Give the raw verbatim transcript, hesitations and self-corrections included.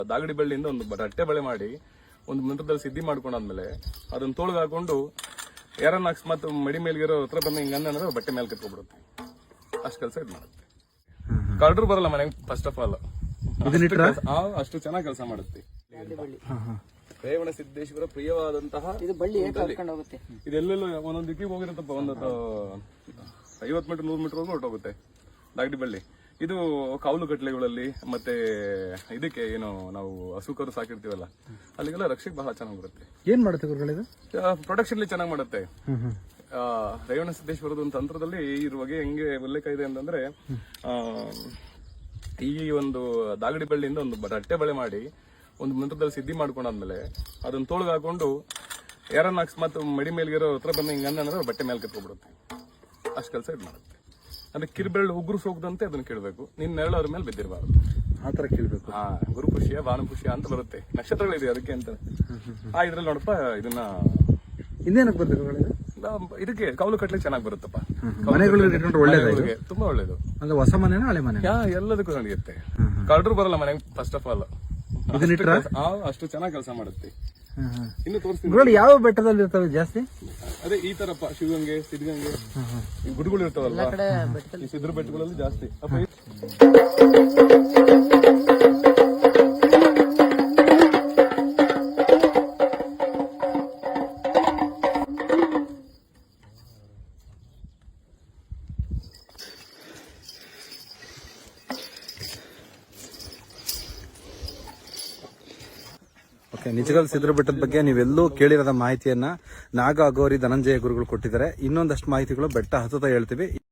ದಾಗಡಿ ಬಳ್ಳಿಯಿಂದ ಒಂದು ರಟ್ಟೆ ಬಳೆ ಮಾಡಿ ಒಂದು ಮಂತ್ರದಲ್ಲಿ ಸಿದ್ಧಿ ಮಾಡ್ಕೊಂಡಾದ್ಮೇಲೆ ಅದನ್ನ ತೋಳ್ಗೆ ಹಾಕೊಂಡು ಯಾರನ್ನ ಅಕಸ್ಮಾತ್ ಮಡಿ ಮೇಲ್ಗಿರೋ ಹತ್ರ ಬಂದ ಹಿಂಗ ಅಂದ್ರೆ ಬಟ್ಟೆ ಮೇಲೆ ಕತ್ಕೊಬಿಡುತ್ತೆ. ಅಷ್ಟು ಕೆಲಸ ಇದು ಮಾಡುತ್ತೆ. ಕಳ್ರು ಬರಲ್ಲ ಮನೆಗೆ ಫಸ್ಟ್ ಆಫ್ ಆಲ್. ಅಷ್ಟು ಚೆನ್ನಾಗಿ ಕೆಲಸ ಮಾಡುತ್ತೆ. ರೇವಣ ಸಿದ್ದೇಶ್ವರ ಪ್ರಿಯವಾದಂತಹ ಇದು ಬಳ್ಳಿ ಕರ್ಕೊಂಡು ಹೋಗುತ್ತೆ. ಇದೆಲ್ಲೆಲ್ಲೋ ಒಂದೊಂದು ದಿಕ್ಕಿಗೆ ಹೋಗಿರುತ್ತಪ್ಪ. ಒಂದು ಐವತ್ ಮೀಟರ್ ನೂರ್ ಮೀಟರ್ ಹೋಗಿ ಹೊರಟೋಗುತ್ತೆ ದಾಗಡಿ ಬಳ್ಳಿ. ಇದು ಕಾವಲು ಕಟ್ಲೆಗಳಲ್ಲಿ ಮತ್ತೆ ಇದಕ್ಕೆ ಏನು ನಾವು ಹಸುಕರು ಸಾಕಿರ್ತೀವಲ್ಲ ಅಲ್ಲಿಗೆಲ್ಲ ರಕ್ಷೆಗೆ ಬಹಳ ಚೆನ್ನಾಗಿ ಬರುತ್ತೆ. ಏನ್ ಮಾಡುತ್ತೆ ಗುರುಗಳಿದು? ಪ್ರೊಟೆಕ್ಷನ್ ಚೆನ್ನಾಗಿ ಮಾಡುತ್ತೆ. ರೇವಣ ಸಿದ್ದೇಶ್ವರದ ಒಂದು ತಂತ್ರದಲ್ಲಿ ಇದ್ರ ಬಗ್ಗೆ ಹೆಂಗೆ ಉಲ್ಲೇಖ ಇದೆ ಅಂತಂದ್ರೆ, ಆ ಈ ಒಂದು ದಾಗಡಿ ಬಳ್ಳಿಯಿಂದ ಒಂದು ರಟ್ಟೆ ಬಳೆ ಮಾಡಿ ಒಂದು ಮಂತ್ರದಲ್ಲಿ ಸಿದ್ಧಿ ಮಾಡ್ಕೊಂಡಾದ್ಮೇಲೆ ಅದನ್ನ ತೋಳ್ಗೆ ಹಾಕೊಂಡು ಯಾರನ್ನ ಅಕಸ್ಮಾತ್ ಮಡಿ ಮೇಲ್ಗಿರೋ ಹತ್ರ ಬಂದ ಹಿಂಗ ಅಂದ್ರೆ ಬಟ್ಟೆ ಮೇಲೆ ಕತ್ಕೊಬಿಡುತ್ತೆ. ಅಷ್ಟು ಕೆಲಸ ಇದು ಮಾಡುತ್ತೆ. ಅಂದ್ರೆ ಕಿರ್ಬೆರಳು ಉಗುರು ಸೋಗದಂತೆ ಅದನ್ನ ಕೇಳಬೇಕು. ನಿನ್ನ ನೆರಳು ಅದ್ರ ಮೇಲೆ ಬಿದ್ದಿರಬಾರ್ದು. ಆತರ ಕೇಳ್ಬೇಕು. ಹಾ, ಗುರು ಪುಷ್ಯ ಭಾನು ಪುಷ್ಯ ಅಂತ ಬರುತ್ತೆ. ನಕ್ಷತ್ರಗಳಿದೆ ಅದಕ್ಕೆ ಅಂತ. ಆ ಇದ್ರಲ್ಲಿ ನೋಡಪ್ಪ ಇದನ್ನ ಇನ್ನೇನಕ್ಕೆ ಬರುತ್ತೆ? ಇದಕ್ಕೆ ಕೌಲು ಕಟ್ಲಿಕ್ಕೆ ಚೆನ್ನಾಗಿ ಬರುತ್ತಪ್ಪ. ಒಳ್ಳೇದು, ತುಂಬಾ ಒಳ್ಳೇದು. ಅಂದ್ರೆ ಹೊಸ ಮನೆನಾ ಹಳೆ ಮನೆ? ಯಾ ಎಲ್ಲದಕ್ಕೂ ನಡೆಯುತ್ತೆ. ಕಳ್ರು ಬರಲ್ಲ ಮನೆಗೆ ಫಸ್ಟ್ ಆಫ್ ಆಲ್. ಅಷ್ಟು ಚೆನ್ನಾಗಿ ಕೆಲಸ ಮಾಡುತ್ತೆ. ಇನ್ನು ತೋರಿಸ್ತೀನಿ. ಯಾವ ಬೆಟ್ಟದಲ್ಲಿ ಇರ್ತವೆ ಜಾಸ್ತಿ? ಅದೇ ಈ ತರಪ್ಪ, ಶಿವಗಂಗೆ, ಸಿದ್ಧಗಂಗೆ, ಈ ಗುಡಿಗಳು ಇರ್ತಾವಲ್ಲ, ಈ ಸಿದ್ರ ಬೆಟ್ಟಗಳಲ್ಲಿ ಜಾಸ್ತಿ. ನಿಜಗಲ್ ಸಿದ್ರ ಬೆಟ್ಟದ ಬಗ್ಗೆ ನೀವೆಲ್ಲೂ ಕೇಳಿರದ ಮಾಹಿತಿಯನ್ನ ನಾಗ ಅಗೋರಿ ಧನಂಜಯ ಗುರುಗಳು ಕೊಟ್ಟಿದ್ದಾರೆ. ಇನ್ನೊಂದಷ್ಟು ಮಾಹಿತಿಗಳು ಬೆಟ್ಟ ಹತ್ತುತ್ತಾ ಹೇಳ್ತೀವಿ.